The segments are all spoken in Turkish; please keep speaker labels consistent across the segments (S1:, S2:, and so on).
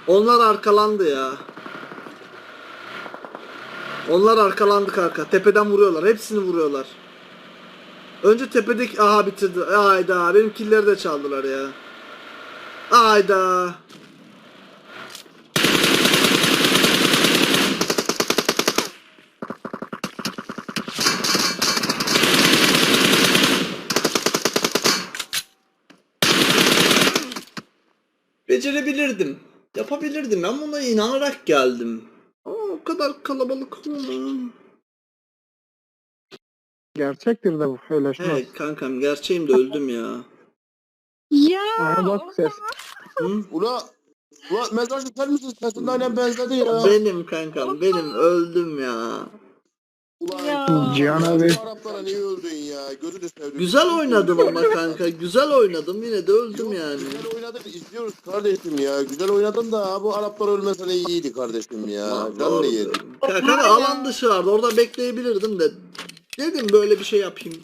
S1: Onlar arkalandı ya. Onlar arkalandı kanka. Tepeden vuruyorlar. Hepsini vuruyorlar. Önce tepedeki aha bitirdi. Ayda benim killeri de çaldılar ya. Ayda. Becerebilirdim. Yapabilirdim. Ben buna inanarak geldim. Ama o kadar kalabalık olma.
S2: Gerçektir de bu söyleşmez.
S1: He kankam gerçeğim de öldüm ya.
S3: Ya.
S2: Aha bak ses.
S1: Hı?
S4: Ula mezarcı sen misin? Sesinden aynen benzedi ya.
S1: Benim kankam benim öldüm ya.
S4: Ulan
S3: Ya.
S2: Cihan abi.
S4: bu Araplara niye öldün ya? Gözünü sevdim.
S1: Güzel oynadım ama kanka. Güzel oynadım. Yine de öldüm
S4: Yok,
S1: yani.
S4: Güzel oynadın izliyoruz kardeşim ya. Güzel oynadın da bu Araplar ölmesene iyiydi kardeşim ya. Canını yedim.
S1: Kanka alan dışı vardı. Orada bekleyebilirdim de. Dedim böyle bir şey yapayım.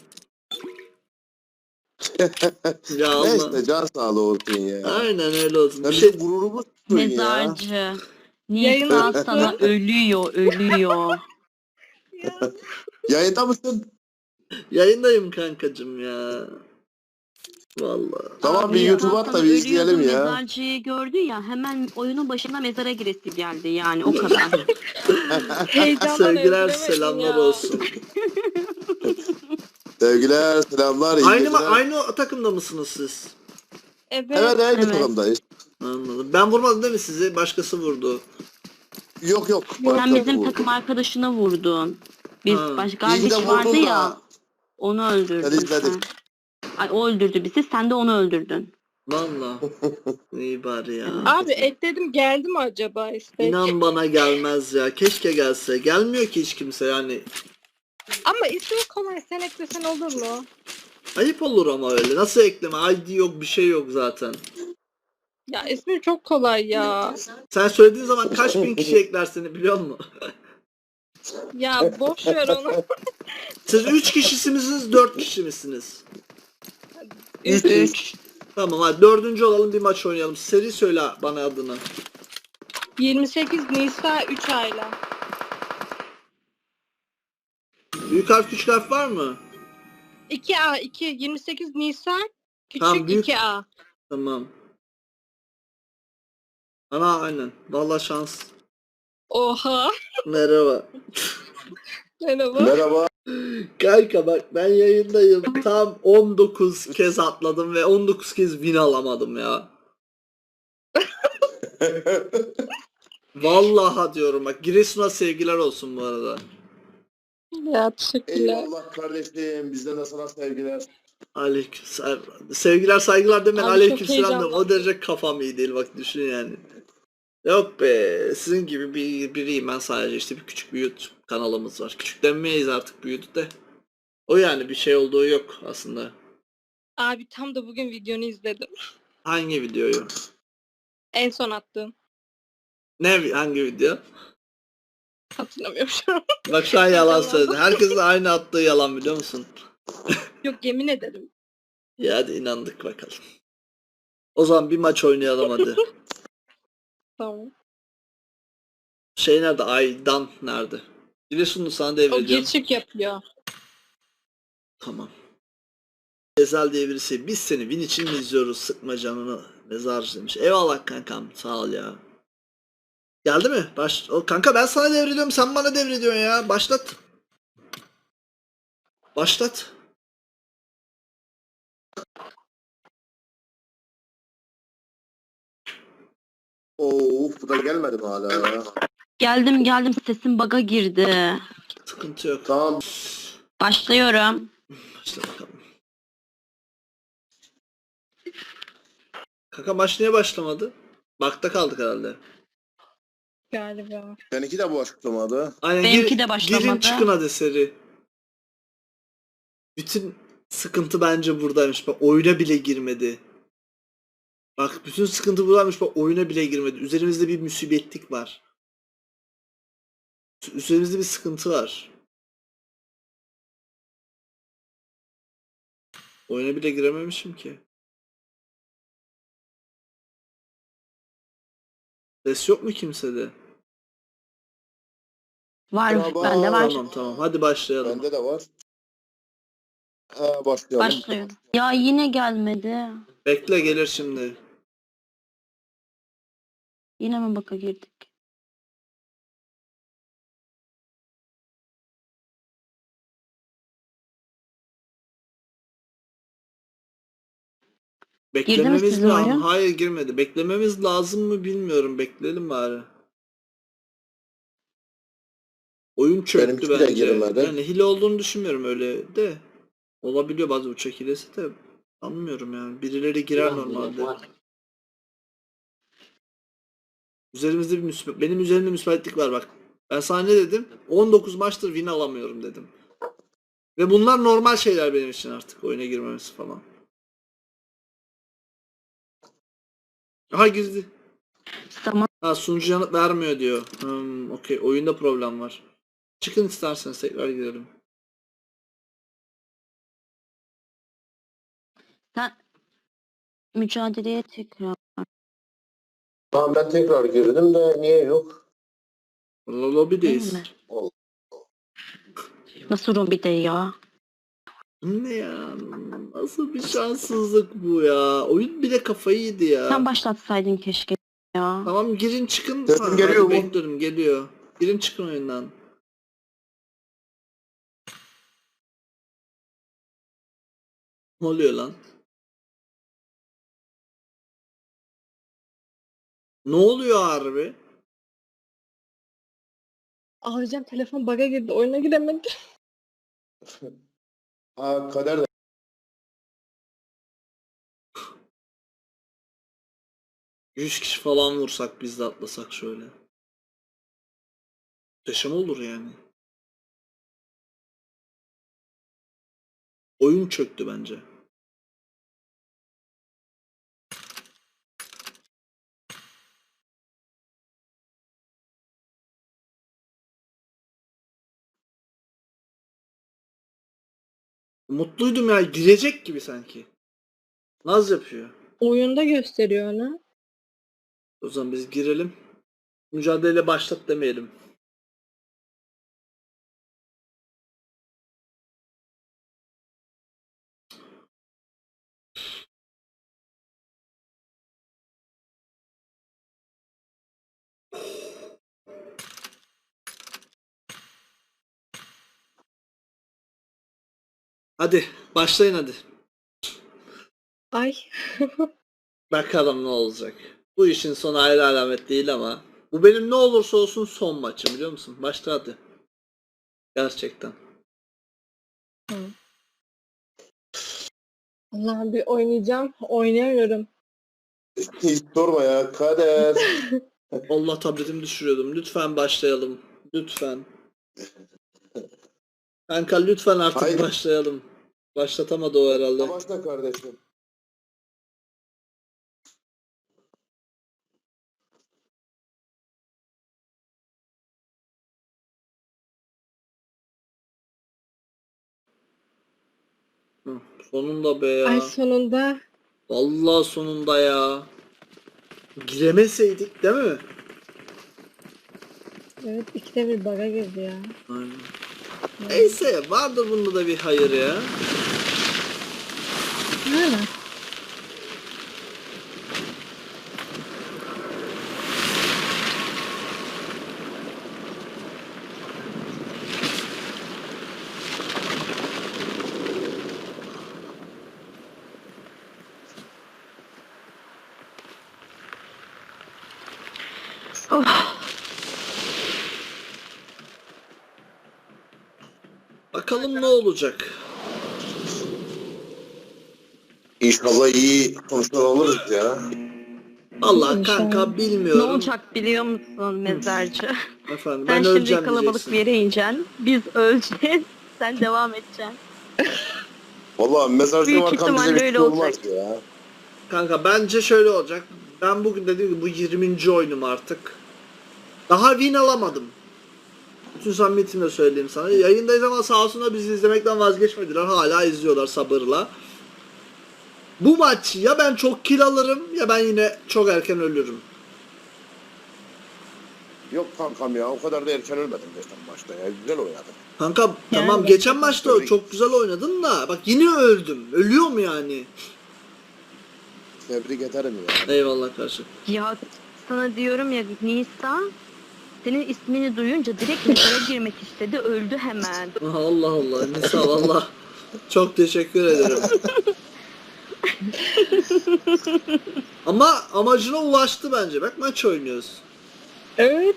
S1: Ya Allah.
S4: Neyse can sağlığı olsun ya.
S1: Aynen öyle olsun.
S4: Sen
S1: Bir şey
S4: bizim gururumuzsun ya.
S5: Mezarcı.
S3: Yayına
S5: Nisan sana ölüyor.
S4: Yayında mısın?
S1: yayındayım kankacım ya. Vallahi.
S4: Tamam bir
S5: Abi,
S4: YouTube'a
S5: Nisan
S4: at da
S5: sana
S4: bir izleyelim
S5: ölüyordu,
S4: ya.
S5: Mezarcıyı gördü ya hemen oyunun başına mezara giresi geldi yani o kadar.
S3: Heyecandan
S1: Sevgiler
S3: öldüremedim
S1: selamlar
S3: ya.
S1: olsun.
S4: Sevgiler, selamlar, iyi geceler.
S1: Aynı takımda mısınız siz?
S3: Evet.
S4: Evet, aynı
S5: Evet.
S4: takımdayız.
S1: Anladım. Ben vurmadım değil mi sizi? Başkası vurdu.
S4: Yok.
S5: Sen
S4: başka
S5: bizim
S4: bu.
S5: takım arkadaşına vurdun. Biz
S1: Ha.
S5: başka
S4: İyi de
S5: kardeş vardı
S4: vurdun
S5: ya.
S4: da.
S5: Onu öldürdün
S4: Ben izledim.
S5: sen. Ay, o öldürdü bizi, sen de onu öldürdün.
S1: Valla. İyi bari ya.
S3: Abi ekledim geldi mi acaba istek?
S1: İnan bana gelmez ya. Keşke gelse. Gelmiyor ki hiç kimse yani.
S3: Ama ismi kolay sen eklesen olur mu?
S1: Ayıp olur ama öyle. Nasıl ekleme? ID yok bir şey yok zaten.
S3: Ya ismi çok kolay ya.
S1: Sen söylediğin zaman kaç bin kişi ekler seni biliyor musun?
S3: Ya boş ver onu.
S1: Siz 3 kişi misiniz 4 kişi misiniz?
S5: 3.
S1: Tamam hadi 4. olalım bir maç oynayalım. Seri söyle bana adını.
S3: 28 Nisan 3 ayla.
S1: Büyük harf küçük harf var mı?
S3: 2A 2 28 Nisan küçük
S1: Tamam, büyük.
S3: 2A.
S1: Tamam. Ana aynen. Vallahi şans.
S3: Oha.
S1: Merhaba.
S3: Merhaba.
S4: Merhaba.
S1: Kanka bak ben yayındayım. Tam 19 kez atladım ve 19 kez win alamadım ya. Vallahi diyorum bak Giresun'a sevgiler olsun bu arada.
S3: Ya teşekkürler.
S4: Eyvallah kardeşim. Bizden de sana sevgiler.
S1: Aleyküm sevgiler saygılar demen
S3: Abi
S1: aleyküm
S3: çok
S1: selam demen.
S3: heyecanlandım.
S1: O derece kafam iyi değil bak düşün yani. Yok be sizin gibi biriyim ben sadece işte bir küçük bir YouTube kanalımız var. Küçük demeyiz artık büyüdü de. O yani bir şey olduğu yok aslında.
S3: Abi tam da bugün videonu izledim.
S1: Hangi videoyu?
S3: En son attığım.
S1: Hangi video?
S3: Hatırlamıyorum şu an.
S1: Bak şu an yalan söyledi. Herkesin aynı attığı yalan biliyor musun?
S3: Yok yemin ederim.
S1: Ya hadi inandık bakalım. O zaman bir maç oynayalım hadi.
S3: Tamam.
S1: Şey nerede? Aydan nerede? Giresunlu sana
S3: O
S1: devrediyorum.
S3: geçik yapıyor.
S1: Tamam. Ezel diye birisi. Biz seni win için mi izliyoruz? Sıkma canını. Mezarcı demiş. Eyvallah kankam. Sağ ol ya. Geldi mi? Kanka ben sana devrediyorum. Sen bana devrediyorsun ya. Başlat. Başlat.
S4: Of bu da gelmedi mi hala ya?
S5: Geldim, sesim bug'a girdi.
S1: Sıkıntı yok.
S4: Tamam.
S5: Başlıyorum.
S1: Başla bakalım. Kanka maç niye başlamadı? Bakta kaldık herhalde.
S3: Galiba.
S4: Seninki de bu açıklamadı.
S1: Aynen
S5: Benimki de başlamadı.
S1: Girin çıkın hadi seri. Bütün sıkıntı bence buradaymış. Bak oyuna bile girmedi. Bak bütün sıkıntı buradaymış. Bak oyuna bile girmedi. Üzerimizde bir musibetlik var. Üzerimizde bir sıkıntı var. Oyuna bile girememişim ki. Ses yok mu kimsede?
S5: Var,
S4: Merhaba.
S5: bende var.
S1: Tamam. Hadi başlayalım.
S4: Bende de var. Başlayalım.
S5: Başlıyorum. Ya yine gelmedi.
S1: Bekle gelir şimdi.
S5: Yine mi baka girdik?
S1: Beklememiz
S5: sizin
S1: lazım.
S5: oyun?
S1: Hayır girmedi. Beklememiz lazım mı bilmiyorum. Bekleyelim bari. Oyun çöktü
S4: Benimki de
S1: bence.
S4: girmedi.
S1: Yani hile olduğunu düşünmüyorum öyle de. Olabiliyor bazı uçak hilesi de. Sanmıyorum yani. Birileri girer normalde. Üzerimizde benim üzerimde müsbetlik var bak. Ben sana ne dedim? 19 maçtır win alamıyorum dedim. Ve bunlar normal şeyler benim için artık. Oyuna girmemesi falan. Aha girdi.
S5: Zaman
S1: Ha sunucu yanıt vermiyor diyor. Okey. Oyunda problem var. Çıkın isterseniz tekrar girelim.
S5: sen mücadeleye tekrar.
S4: Tamam ben tekrar girdim de niye yok?
S1: Lobby'deyiz.
S5: Değil mi? Nasıl Robi'de ya?
S1: Ne ya? Nasıl bir şanssızlık bu ya? Oyun bile kafayı yedi ya.
S5: Sen başlatsaydın keşke ya.
S1: Tamam girin çıkın.
S4: Sesim
S1: Ha,
S4: geliyor
S1: hadi
S4: mu?
S1: bekliyorum geliyor. Girin çıkın oyundan. Ne oluyor lan? Ne oluyor harbi?
S3: Ağlayacağım, telefon bug'a girdi. Oyuna giremedi.
S4: Kader de
S1: 100 kişi falan vursak biz de atlasak şöyle. Muhteşem olur yani. Oyun çöktü bence. Mutluydum ya. Girecek gibi sanki. Naz yapıyor.
S3: Oyunda gösteriyor onu.
S1: O zaman biz girelim. Mücadele başlat demeyelim. Hadi başlayın hadi.
S3: Ay.
S1: Bakalım ne olacak. Bu işin sonu ayrı alamet değil ama bu benim ne olursa olsun son maçım biliyor musun? Başla hadi. Gerçekten.
S3: Allah'ım bir oynayacağım. Oynayamıyorum.
S4: hiç sorma ya Kader.
S1: Allah tabletimi düşürüyordum. Lütfen başlayalım. Lütfen. Kanka lütfen artık
S4: Haydi.
S1: başlayalım. Başlatamadı o herhalde.
S4: Başla kardeşim.
S1: Hı, sonunda be ya.
S3: Ay sonunda.
S1: Vallahi sonunda ya. Giremeseydik değil mi?
S3: Evet, ikide bir bug'a girdi ya.
S1: Aynen. Neyse vardır bunda da bir hayır ya.
S3: Nerede?
S5: Of.
S1: Bakalım ne olacak.
S4: İnşallah iyi sonuçlar alırız ya.
S1: Vallahi
S3: İnşallah.
S1: kanka
S5: Ne
S1: bilmiyorum.
S5: olacak biliyor musun mezarcı?
S1: Efendim
S5: Sen
S1: ben
S5: şimdi
S1: öleceğim
S5: kalabalık
S1: diyeceksin.
S5: bir yere ineceksin. Biz öleceğiz. Sen devam edeceksin.
S4: Vallahi mezarcı
S5: Büyük
S4: varken bize
S5: ihtimalle
S4: bir
S5: öyle
S4: şey olmaz
S5: olacak.
S4: ya.
S1: Kanka bence şöyle olacak. Ben bugün dediğim gibi bu 20. oyunum artık. Daha win alamadım. Bütün samimiyetimle söyleyeyim sana. Yayındayız ama sağ olsunlar bizi izlemekten vazgeçmediler. Hala izliyorlar sabırla. Bu maç ya ben çok kill alırım ya ben yine çok erken ölürüm.
S4: Yok kankam ya o kadar da erken ölmedim geçen maçta ya. Güzel oynadım.
S1: Kanka tamam geçen maçta çok güzel oynadın da bak yine öldüm. Ölüyorum yani.
S4: Tebrik ederim ya.
S1: Eyvallah karşı.
S5: Ya sana diyorum ya Nisa senin ismini duyunca direkt mezara girmek istedi. Öldü hemen.
S1: Allah Allah Nisa valla. Çok teşekkür ederim. Ama amacına ulaştı bence. Bak maç oynuyoruz.
S3: Evet.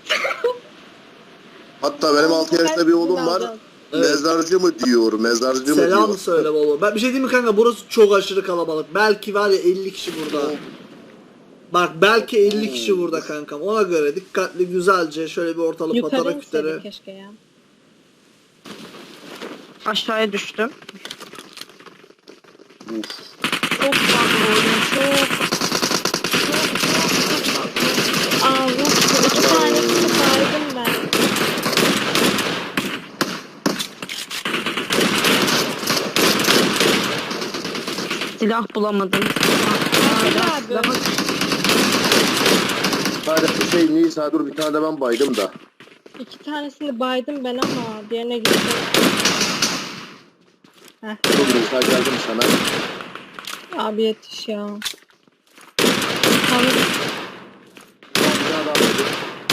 S4: Hatta benim 6 yaşında bir oğlum var.
S1: Evet.
S4: Mezarcı mı diyor, mezarcı mı
S1: Selam
S4: diyor.
S1: söyle baba. Ben bir şey diyeyim mi kanka? Burası çok aşırı kalabalık. Belki var ya 50 kişi burada. Bak belki 50 kişi burada kankam. Ona göre dikkatli güzelce şöyle bir ortalık
S3: Yukarı
S1: patara
S3: inseydik
S1: kütere.
S3: keşke ya.
S5: Aşağıya düştüm.
S4: Uf.
S5: Çok fazla oyun. Çok.
S3: Aa bu iki tanesini saydım ben.
S5: Silah bulamadım.
S3: Abi.
S5: Daha
S4: Hadi bir şey Nisa dur bir tane de ben baydım da.
S3: İki tanesini baydım ben ama diğerine gittim. Heh.
S4: Dur Nisa geldim sana.
S3: Abi yetiş ya. Tamam.
S4: Bir tane daha baydım.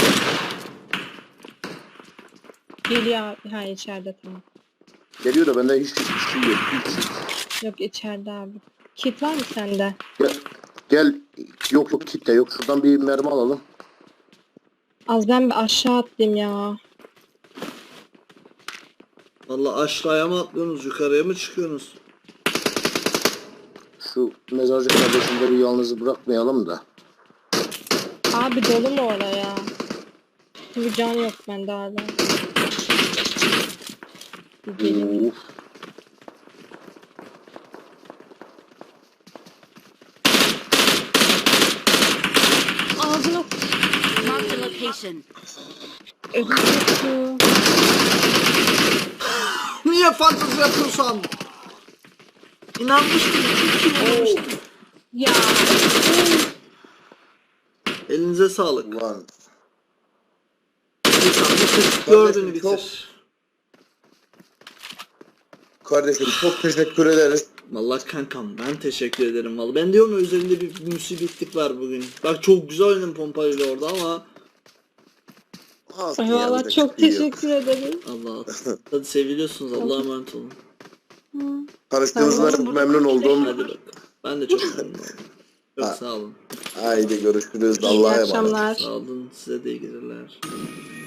S3: Geliyor abi. Ha içeride tamam.
S4: Geliyor da bende hiç şey yok. Hiç.
S3: Yok içeride abi. Kit var mı sende?
S4: Gel. Yok yok kitle yok. Şuradan bir mermi alalım.
S3: Az ben bir aşağı atlayayım ya.
S1: Valla aşağıya mı atlıyorsunuz? Yukarıya mı çıkıyorsunuz?
S4: Şu mezarcı kardeşimleri yalnız bırakmayalım da.
S3: Abi dolu mu oraya? Bir can yok bende hala. Gelin.
S4: Uf.
S3: Ağzına
S5: Mark the location.
S3: ödüm.
S1: Niye fantezi yapıyorsan? İnanmıştım. İnanmıştım.
S3: Ya.
S1: Elinize sağlık.
S4: Ulan.
S1: Gördüğünü bitir.
S4: Kardeşim çok teşekkür ederiz.
S1: Vallahi kankam ben teşekkür ederim vallahi. Ben diyorum ya üzerinde bir musibetlik var bugün. Bak çok güzel oynadım pompayla orada ama
S3: Valla çok teşekkür ederim.
S1: Allah hadi seviliyorsunuz Allah'a emanet olun.
S4: Tanıştığınızda çok memnun oldum.
S1: Hadi bakalım. Ben de çok memnun oldum. Çok
S4: Ha.
S1: sağ olun.
S4: Haydi görüşürüz.
S3: İyi
S4: Allah'a emanet.
S3: akşamlar.
S1: Sağ olun size de iyi geceler.